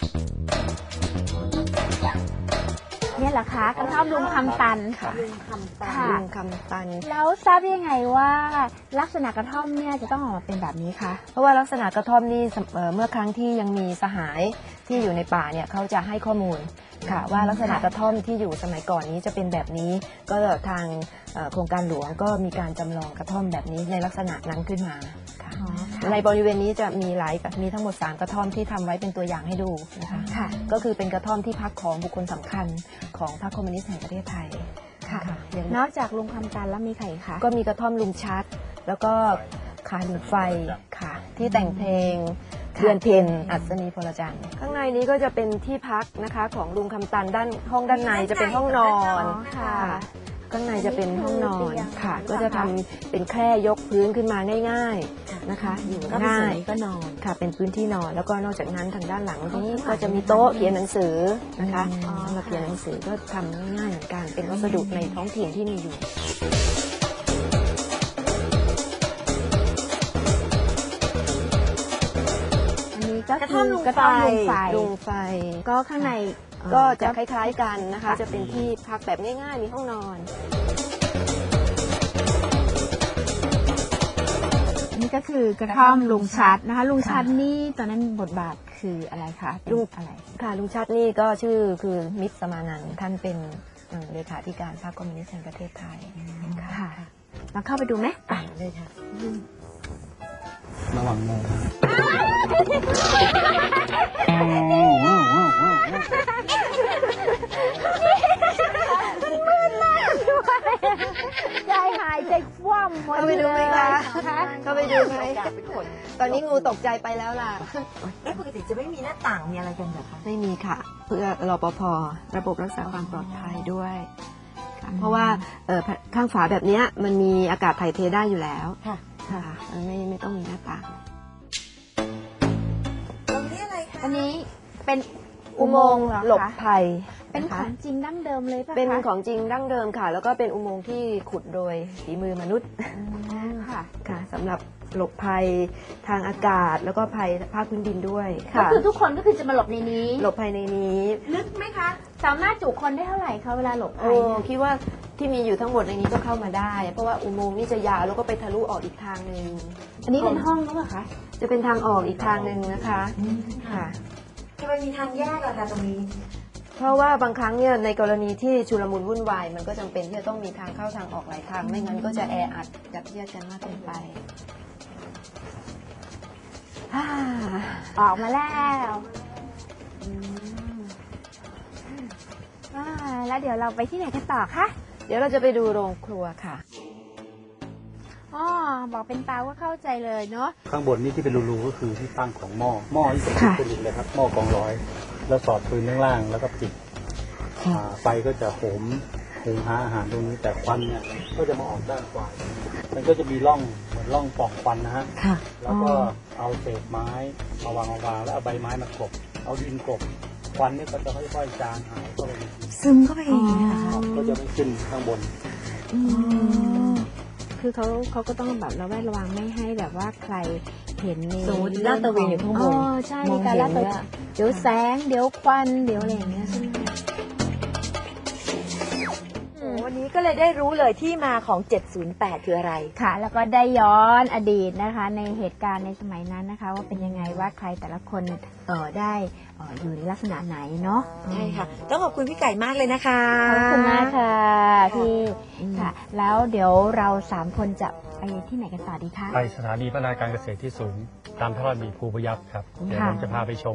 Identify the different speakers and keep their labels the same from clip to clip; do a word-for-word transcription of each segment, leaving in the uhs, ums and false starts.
Speaker 1: เนี่ยเหรอคะกระท่อมลุงคำตัน
Speaker 2: ค่ะ
Speaker 3: ลุงคำตัน
Speaker 1: ค่ะ
Speaker 2: ลุงคำตัน
Speaker 1: แล้วทราบได้ยังไงว่าลักษณะกระท่อมเนี่ยจะต้องออกมาเป็นแบบนี้คะ
Speaker 2: เพราะว่าลักษณะกระท่อมนี่เอ่อเมื่อครั้งที่ยังมีสหายที่อยู่ในป่าเนี่ยเขาจะให้ข้อมูลค่ะว่าลักษณะกระท่อมที่อยู่สมัยก่อนนี้จะเป็นแบบนี้ก็ทางเอ่อโครงการหลวงก็มีการจำลองกระท่อมแบบนี้ในลักษณะนั้นขึ้นมาค่ะ
Speaker 1: อ๋อ
Speaker 2: ในบริเวณนี้จะมีหลายมีทั้งหมดสามกระท่อมที่ทำไว้เป็นตัวอย่างให้ดูนะคะ
Speaker 1: ค่ะ
Speaker 2: ก็คือเป็นกระท่อมที่พักของบุคคลสำคัญของพรรคคอมมิวนิสต์แห่งประเทศไทย
Speaker 1: ค่ะ
Speaker 2: อย่าง
Speaker 1: นอกจากลุงคำตันแล้วมีใครอีกคะ
Speaker 2: ก็มีกระท่อมลุงชัด แล้วก็ขาหลีไฟค่ะ ที่แต่งเพลงเดือนเพ็ญอัศนีพลจันทร์ข้างในนี้ก็จะเป็นที่พักนะคะของลุงคำตันด้านห้องด้านในจะเป็นห้องนอน
Speaker 1: อ๋อค่ะ
Speaker 2: ข้างในจะเป็นห้องนอนค่ะ
Speaker 1: เตียง
Speaker 2: ก็จะทำเป็นแคร่ยกพื้นขึ้นมาง่ายๆนะคะ อยู่
Speaker 3: ก็เป็น
Speaker 2: ง่า
Speaker 3: ส่วน
Speaker 2: ย
Speaker 3: นี้ก็นอน
Speaker 2: ค่ะเป็นพื้นที่นอนแล้วก็นอกจากนั้นทางด้านหลังนี้ก็จะมีโต๊ะเขียนหนังสือนะคะ
Speaker 1: อ๋อ
Speaker 2: สำหรับเขียนหนังสือก็ทำง่ายๆเหมือนกันเป็นวัสดุในท้องถิ่นที่มีอยู่
Speaker 1: อันนี้ก็
Speaker 3: กระ
Speaker 1: คื
Speaker 3: ท่อม
Speaker 1: อ
Speaker 3: ลุง
Speaker 1: กระท่อมลุงไฟ
Speaker 2: ลุงไฟ
Speaker 1: ก็ข้างใน
Speaker 2: ก็จะคล้ายๆกันนะคะ จะเป็นที่พักแบบง่ายๆมีห้องนอน
Speaker 1: อันนี้ก็คือกระท่อมลุงชัดนะคะ ลุงชัดนี่ตอนนั้นบทบาทคืออะไรคะเป็น
Speaker 2: ลุง
Speaker 1: อะไร
Speaker 2: ค่ะลุงชัดนี่ก็ชื่อคือมิตรสมานันท์ท่านเป็นเอ่อเลขาธิการพรรคคอมมิวนิสต์แห่งประเทศไทย
Speaker 1: ค่ะเราเข้าไปดูไหม
Speaker 2: ไปเลยค่ะ
Speaker 4: ระวังมอง
Speaker 1: ใจหายใจคว่ำหมด
Speaker 2: เข้าไปดูไหมคะ
Speaker 1: คะ
Speaker 2: เข้าไปดูไหมตอนนี้งูตกใจไปแล้วล่ะ
Speaker 3: แล้วปกติจะไม่มีหน้าต่างมีอะไรกันเหรอคะ
Speaker 2: ไม่มีค่ะ เพื่อรปภระบบรักษาความปลอดภัยด้วยค่ะเพราะว่าเอ่อข้างฝาแบบเนี้ยมันมีอากาศถ่ายเทได้อยู่แล้ว
Speaker 3: ค่ะ
Speaker 2: ค่ะมันไม่ไม่ต้องมีหน้าต่าง
Speaker 3: ตรงนี้อะไรคะ
Speaker 1: อันนี้เป็น
Speaker 2: อุโมงค์
Speaker 1: เหรอ
Speaker 2: หลบ
Speaker 1: คะ
Speaker 2: ภัย
Speaker 1: เป็น
Speaker 2: นะ
Speaker 1: ข
Speaker 2: คะ
Speaker 1: องจริงดั้งเดิมเลยป่ะคะ
Speaker 2: เป็นของจริงดั้งเดิมค่ะ แล้วก็เป็นอุโมงค์ที่ขุดโดยฝีมือมนุษย์
Speaker 1: อืมค่ะ
Speaker 2: ค่ะสำหรับหลบภัยทางอากาศแล้วก็ภัยภาคพื้นดินด้วย
Speaker 1: ก็
Speaker 2: ค่ะ
Speaker 1: คือทุกคนก็คือจะมาหลบในนี้
Speaker 2: หลบภัยในนี้
Speaker 1: ลึกไหมคะ สามารถจุคนได้เท่าไหร่คะเวลาหลบภั
Speaker 2: โอ้
Speaker 1: ยเนี่ย
Speaker 2: คิดว่าที่มีอยู่ทั้งหมดในนี้ก็เข้ามาได้ เพราะว่าอุโมงค์นี่จะยาวแล้วก็ไปทะลุออกอีกทางหนึ่ง
Speaker 1: อันนี้เป็นห้องหรือเปล่าคะ
Speaker 2: จะเป็นทางออกอีกทางหนึ่งนะคะค่ะ
Speaker 3: ทำไมมีทางแยกอะคะตรงนี้
Speaker 2: เพราะว่าบางครั้งเนี่ยในกรณีที่ชุลมุนวุ่นวายมันก็จำเป็นที่จะต้องมีทางเข้าทางออกหลายทางไม่งั้นก็จะแออัดยัดเยียดกันมากเกินไปฮ่า
Speaker 1: ออกมาแล้วอ่าแล้วเดี๋ยวเราไปที่ไหนกันต่อคะ
Speaker 2: เดี๋ยวเราจะไปดูโรงครัวค่ะ
Speaker 1: อ๋อบอกเป็นตาว่าเข้าใจเลยเนาะ
Speaker 4: ข้างบนนี่ที่เป็นรูๆก็คือที่ตั้งของหม้อหม้อที่เป็น
Speaker 2: ค่ะ
Speaker 4: ผลิตเลยครับหม้อกองร้อย แล้วสอดปืนข้างล่างแล้วก็ปิดอ่าไฟก็จะโหมหุงหาอาหารตรงนี้แต่ควันเนี่ยก็จะมาออกด้านขวามันก็จะมีร่องเหมือนร่องปล่องควันนะฮะ
Speaker 2: ค่ะ
Speaker 4: แล้วก็เอาเศษไม้มาวางมาวางแล้วเอาใบไม้มากลบเอาดินกลบควันนี่ก็จะค่อยๆจางหายเข้าไปในดิน
Speaker 3: ซึมเข้าไปเองนะคะ
Speaker 4: ก็จะไม่ขึ้นข้างบน
Speaker 1: คือเขาเขาก็ต้องแบบระแวดระวังไม่ให้แบบว่าใครเห็นใน
Speaker 3: สมมติลาดตระเวนอยู่ข้างบน
Speaker 1: อ๋อใช่
Speaker 3: ม
Speaker 1: มี
Speaker 3: อง
Speaker 1: การ
Speaker 3: เห็น
Speaker 1: ลาดตระเว
Speaker 3: เนี่ย
Speaker 1: นเดี๋ยวแสงเดี๋ยวควันเดี๋ยวอะไรอย่างเงี้ยใช่ไหมคะ
Speaker 3: วันนี้ก็เลยได้รู้เลยที่มาของ เจ็ดศูนย์แปด คืออะไร
Speaker 1: ค่ะ แล้วก็ได้ย้อนอดีตนะคะ ในเหตุการณ์ในสมัยนั้นนะคะ ว่าเป็นยังไงว่าใครแต่ละคนเออได้เอออยู่ในลักษณะไหนเนาะ
Speaker 3: ใช่ค่ะ ต้องขอบคุณพี่ไก่มากเลยนะคะ
Speaker 1: ขอบคุณมากค่ะพี่
Speaker 3: อืม
Speaker 1: ค่ะ แล้วเดี๋ยวเราสามคนจะไปที่ไหนกันต่อดีคะ
Speaker 4: ไปสถานีพัฒนาการเกษตรที่สูงตามพระราชบัญญัติภูพยัคฆ์ครับเดี๋ยว
Speaker 1: ค่ะ
Speaker 4: ผมจะพาไปชม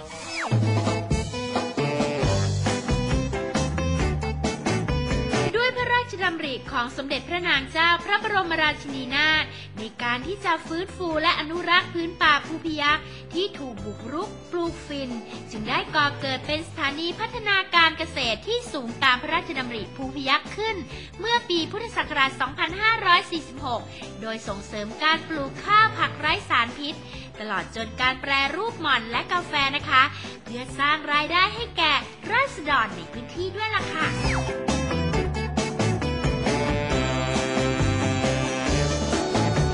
Speaker 5: ด้วยพระราชดำริของสมเด็จพระนางเจ้าพระบรมราชินีนาถในการที่จะฟื้นฟูและอนุรักษ์พื้นป่าภูพยัคฆ์ที่ถูกบุกรุกปลูกฝิ่นจึงได้ก่อเกิดเป็นสถานีพัฒนาการเกษตรที่สูงตามพระราชดำริภูพยัคฆ์ขึ้น เมื่อปีพุทธศักราช สองพันห้าร้อยสี่สิบหก โดยส่งเสริมการปลูกข้าวผักไร้สารพิษ ตลอดจนการแปรรูปหม่อนและกาแฟนะคะ เพื่อสร้างรายได้ให้แก่ราษฎรในพื้นที่ด้วยล่ะค่ะ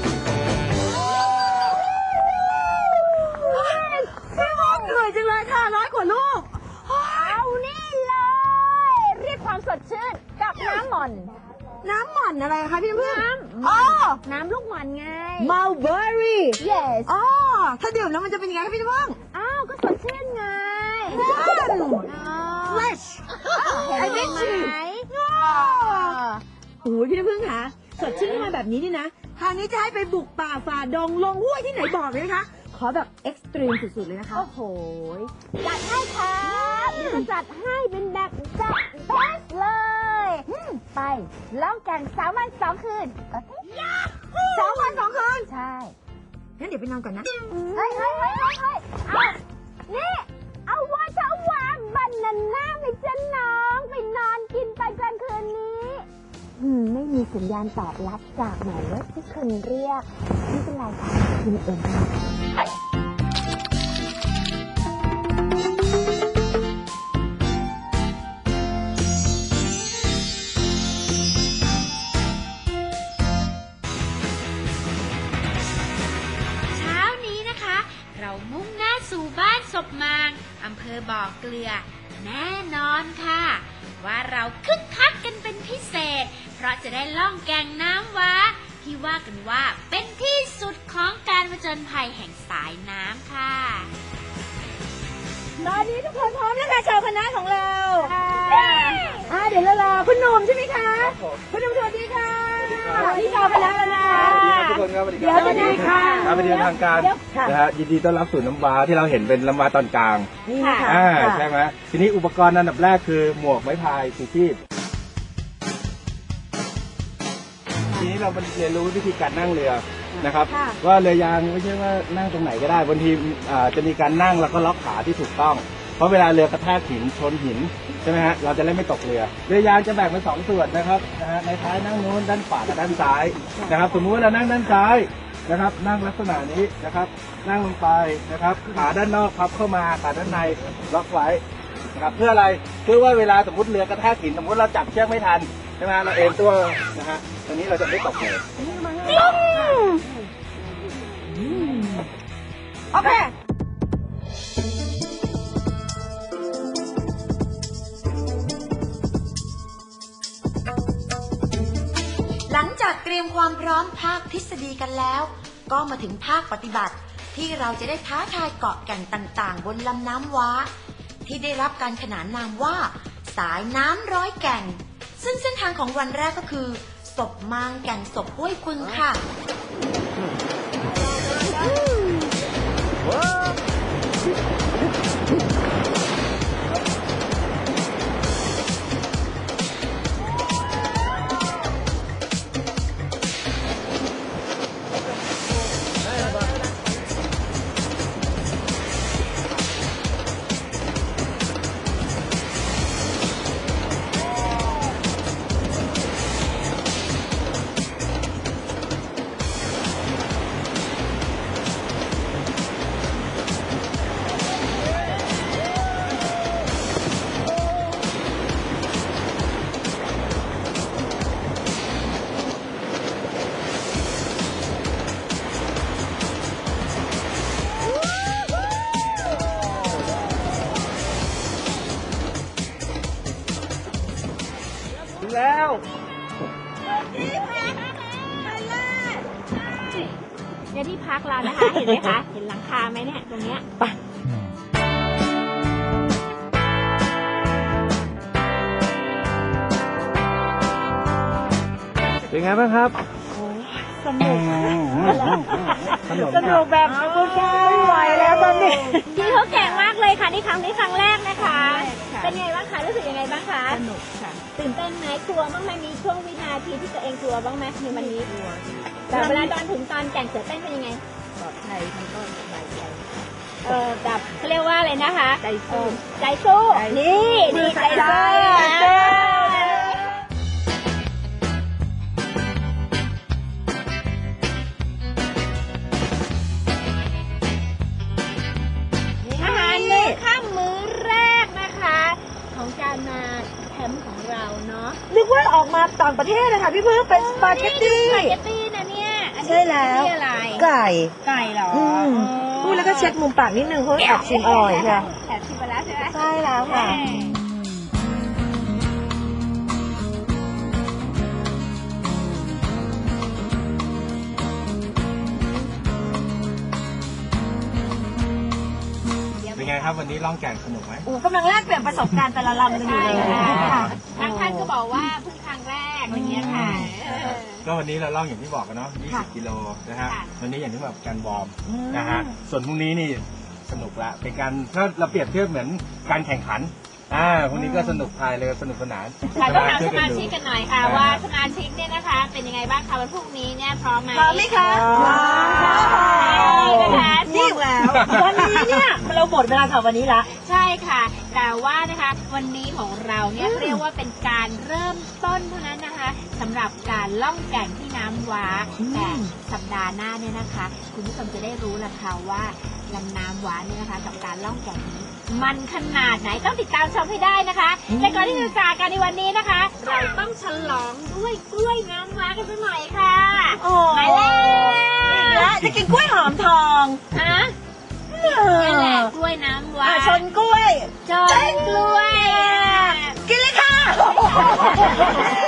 Speaker 3: เหนื่อยจังเลยค่ะ เราร้อยกว่าลูก
Speaker 1: เอานี่เลย เรียกความสดชื่นกับน้ำหม่อน
Speaker 3: น้ำหม่อนอะไรคะพี่พึ่ง
Speaker 1: น้ำ
Speaker 3: อ๋อ
Speaker 1: น้ำลูกหม่อนไง
Speaker 3: มัลเบอรี่
Speaker 1: yes
Speaker 3: อ๋อถ้าดื่มแล้วมันจะเป็นยังไงคะพี่พึ่ง
Speaker 1: อ้าวก็สดชื่นไง
Speaker 3: fresh
Speaker 1: ไอ้เด็กไหม
Speaker 3: โอ้ยพี่น้ำพึ่งคะสดชื่นขึ้นมาแบบนี้นี่นะคราวนี้จะให้ไปบุกป่าฝ่าดงลงห้วยที่ไหนบอกเลยนะคะ ขอแบบเอ็กซ์ตรีมสุดๆเลยนะคะ
Speaker 1: โอ้โหจัดให้ครับเดี๋ยวจะจัดให้เป็นแบบจัดเบสเลยอืมไปล่องแก่งสามวันสองคืนเอ้ย
Speaker 3: สองวันสองคืน
Speaker 1: ใช่
Speaker 3: งั้นเดี๋ยวไปนอนก่อนนะ
Speaker 1: เฮ้ยเฮ้ยเฮ้ยเฮ้ยเฮ้ยเอานี่ เอาว่าจะเอาวางบันนาน่าไปจ้ะน้องไปนอนกินไปกลางคืนนี้อืมไม่มีสัญญาณตอบรับจากหมายเลขที่คุณเรียกไม่เป็นไรค่ะคุณเอง
Speaker 5: เช้านี้นะคะ เรามุ่งหน้าสู่บ้านศพมางอำเภอบ่อเกลือ แน่นอนค่ะ ว่าเราคึกคักกันเป็นพิเศษ เพราะจะได้ล่องแก่งน้ำว้าที่ว่ากันว่าเป็นที่สุดของการผจญภัยแห่งสายน้ำค่ะ
Speaker 3: ตอนนี้ทุกคนพร้อมแล้วค่ะชาวคณะของเราอ่าเดี๋ยวเรารอคุณหนุ่มใช่ไหมคะ คุณหนุ่มสวัสดีค่ะนี่ชาวคณะแล้วนะ
Speaker 6: ทุกคนครับสวัสดี
Speaker 3: เดี๋
Speaker 6: ค
Speaker 3: ยว
Speaker 6: รับ
Speaker 3: จะได้ค่ะ
Speaker 6: ครับเป็นทางการนะฮะยินดีต้อนรับสู่น้ำว้าที่เราเห็นเป็นน้ำว้าตอนกลาง
Speaker 3: นี่นะคะ
Speaker 6: อ่าใช่ไหมทีนี้อุปกรณ์อันดับแรกคือหมวกไม้พายชูชีพทีนี้เราเรียนรู้วิธีการนั่งเรือนะครับว่าเรือยางไม่ใช่ว่านั่งตรงไหนก็ได้บางทีอ่าจะมีการนั่งแล้วก็ล็อกขาที่ถูกต้อง เพราะเวลาเรือกระแทกหินชนหินใช่ไหมฮะเราจะได้ไม่ตกเรือเรือยางจะแบ่งเป็นสองส่วนนะครับนะฮะในท้ายนั่งนู้นด้านขวากับด้านซ้ายนะครับสมมุติว่าเรานั่งด้านซ้ายนะครับนั่งลักษณะนี้นะครับนั่งลงไปนะครับขาด้านนอกพับเข้ามาขาด้านในล็อกไว้นะครับเพื่ออะไรเพื่อว่าเวลาสมมติเรือกระแทกหินสมมติเราจับเชือกไม่ทันใช่ไหมเราเอ็นตัวนะฮะตอนนี้เราจะไม่ตกเลย
Speaker 3: โอเค
Speaker 7: หลังจากเตรียมความพร้อมภาคทฤษฎีกันแล้ว ก็มาถึงภาคปฏิบัติ ที่เราจะได้ท้าทายเกาะแก่งต่างๆ บนลำน้ำว้า ที่ได้รับการขนานนามว่า สายน้ำร้อยแก่ง ซึ่งเส้นทางของวันแรกก็คือศพมางแก่งศพห้วยปึงค่ะ
Speaker 6: ถึงแล้ว
Speaker 1: เนี่ยที่พักเรานะคะ เห็นไหมคะ เห็นหลังคาไหมเนี่ยตรงเนี้ย
Speaker 6: เป็นไงบ้างครับ
Speaker 3: สนุก
Speaker 6: ขนม
Speaker 3: สนุกแบบคุณชายไหวแล้วตอนนี้
Speaker 1: พี่เขาแก่งมากเลยค่ะนี่ครั้งนี้ครั้งแรกนะคะ เป็นไงบ้างคะรู้สึกยังไงบ้างคะ
Speaker 3: สนุกค่ะ
Speaker 1: ตื่นเต้นไหมกลัวบ้างไหมมีช่วงวินาทีที่ตัวเองกลัวบ้างไหมในวันนี้แต่เวลาตอนถึงตอนแก่งเสือเต้นเป็นยังไง
Speaker 3: ปลอดภัยมันก็สบายใจ
Speaker 1: เออแบบเขาเรียกว่าอะไรนะคะ
Speaker 3: ใจสู้
Speaker 1: เออใจสู้นี่ดีใจสู้อาหารมื้อค่ำมื้อแรกนะคะ ของการมาแคมป์ของเราเนาะ
Speaker 3: นึกว่าออกมาต่างประเทศเลยค่ะพี่พึ่งเป็นสปาเกตตี้
Speaker 1: สปาเกตตี้นะเนี่ยอันนี้
Speaker 3: ใช่แล้ว
Speaker 1: สปาเกตตี้อะไร
Speaker 3: ไก่
Speaker 1: ไก่เหรอ
Speaker 3: อืม
Speaker 1: อ๋อ
Speaker 3: พูดแล้วก็เช็ดมุมปากนิดนึงเพราะแอบชิมอร่อยค่ะ
Speaker 1: แอบชิมไปแล้วแล้วใช่ไหม
Speaker 3: ใช่แล้วค่ะ
Speaker 6: เป็นไงครับวันนี้ล่องแก่งสนุกไหม
Speaker 3: อูกำลังแลกเปลี่ยนประสบการณ์แต่ละลำกันอยู่เลยค่ะ
Speaker 1: บางท่านก็บอกว่าเพิ่งครั้งแรกอย่างเงี้ยค่ะเออ
Speaker 6: ก็วันนี้เราล่องอย่างที่บอกกันเนาะยี่สิบกิโลนะฮะ
Speaker 1: ค่ะ
Speaker 6: วันนี้อย่างที่แบบการวอร์ม
Speaker 3: อืม
Speaker 6: นะฮะ ส่วนพรุ่งนี้นี่สนุกละ เป็นการถ้าเราเปรียบเทียบเหมือนการแข่งขัน อ่า พรุ่งนี้ก็สนุกพายเลยสนุกสนาน
Speaker 1: ค่ะต้องถาม
Speaker 6: ช่
Speaker 1: ส
Speaker 6: วยกั
Speaker 1: มาน
Speaker 6: ดู
Speaker 1: ชิกกันหน่อยค่ะว่าสมาชิกเนี่ยนะคะ เป็นยังไงบ้างคะวันพรุ่งนี้เนี่ยพร้อมไหม
Speaker 3: พร้อมไหมคะพร้อมค่ะ
Speaker 1: นะคะ
Speaker 3: นี่แล้ววันนี้เนี่ยเราหมดเวลาสำหรับวันนี้ละ
Speaker 1: ใช่ค่ะ แต่ว่านะคะวันนี้ของเราเนี่ยเรียกว่าเป็นการเริ่มต้นเท่านั้นนะคะสำหรับการล่องแก่งที่น้ำว้า
Speaker 3: อืม
Speaker 1: แต่สัปดาห์หน้าเนี่ยนะคะ คุณผู้ชมจะได้รู้ละค่ะว่าลำน้ำว้าเนี่ยนะคะ กับการล่องแก่งนี้มันขนาดไหนต้องติดตามชมให้ได้นะคะแต่ก่อนที่จะจากกันในวันนี้นะคะ เราต้องฉลองด้วยกล้วยน้ำว้ากันสักหน่อยค่ะ
Speaker 3: โอ้
Speaker 1: มาแล้ว
Speaker 3: และจะกินกล้วยหอมทอง
Speaker 1: ฮะ
Speaker 3: เออ
Speaker 1: นี่แหละกล้วยน้ำว้า
Speaker 3: อ่ะชนกล้วย
Speaker 1: จนกล้วย
Speaker 3: กินเลยค่ะ